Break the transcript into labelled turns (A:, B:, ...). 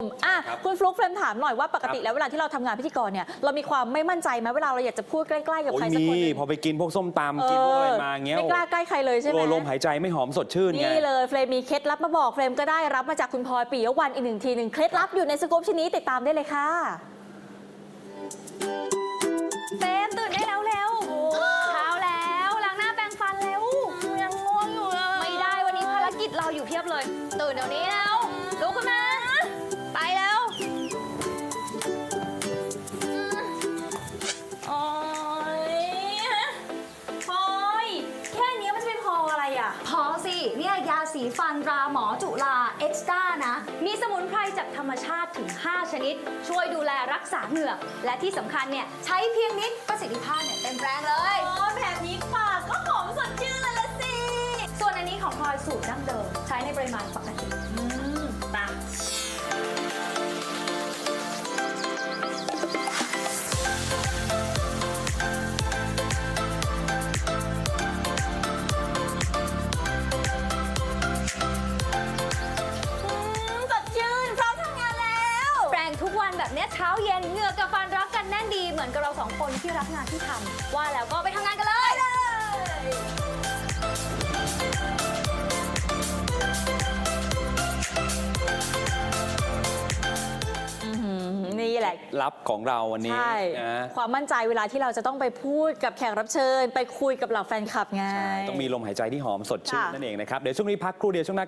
A: คุณฟลุ๊กเฟรมถามหน่อยว่าปกติแล้วเวลาที่เราทำงานพิธีกรเนี่ยเรามีความไม่มั่นใจไหมเวลาเราอยากจะพูดใกล้ๆกับใครสักคนนึง
B: พอไปกินพวกส้มตำกินพวกอะไรมาเงี้ย
A: ไม่กล้าใกล้ใครเลยใช่ไหม
B: ลมหายใจไม่หอมสดชื่นไง
A: นี่เลยเฟรมมีเคล็ดลับมาบอกเฟรมก็ได้รับมาจากคุณพลอยปิยวรรณอีกหนึ่งทีหนึ่งเคล็ดลับอยู่ในสกู๊ปชิ้นนี้ติดตามได้เลยค่ะ
C: เฟรมตื่นได้แล้วเร็วเช้าแล้วล้างหน้าแปรงฟันเร็วยังง่วงอยู่เลยไม่ได้วันนี้ภารกิจเราอยู่เพียบเลยตื่นเดี๋ยวนี้แล้วลุกขึ้นมาไปแล้ว
A: โอ๊ยพลอยแค่นี้มันจะเป็นพออะไรอ่ะ
C: พอสิเนี่ยยาสีฟันราหมอจุฬาเอ็กซ์ต้านะมีสมุนไพรจากธรรมชาติถึง 5 ชนิด ช่วยดูแลรักษาเหงือกและที่สำคัญเนี่ยใช้เพียงนิดประสิทธิภาพเนี่ยเต็มแรงเลย
A: แบบนี้ปากก็หอมสดชื่นเลยละสิ
C: ส่วนอันนี้ของพลอยสูตรดั้งเดิมใช้ในปริมาณปกติ
A: ตาสดชื่นพร้อมทำงานแล้ว
C: แปรงทุกวันแบบเนี้ยเช้าเย็นเหงือกกับฟันรักกันแน่นดีเหมือนกับเราสองคนที่รักงานที่ทำว่าแล้วก็ไปทำงานกันเลย
A: นี่แหละ
B: ลับของเราวันนี้
A: ใช่
B: นะ
A: ความมั่นใจเวลาที่เราจะต้องไปพูดกับแขกรับเชิญ ไปคุยกับเหล่าแฟนคลับไง
B: ต้องมีลมหายใจที่หอมสดชื่น
A: ค่ะ
B: นั่นเองนะครับเดี๋ยวช่วงนี้พักครู่เดียวช่วงหน้า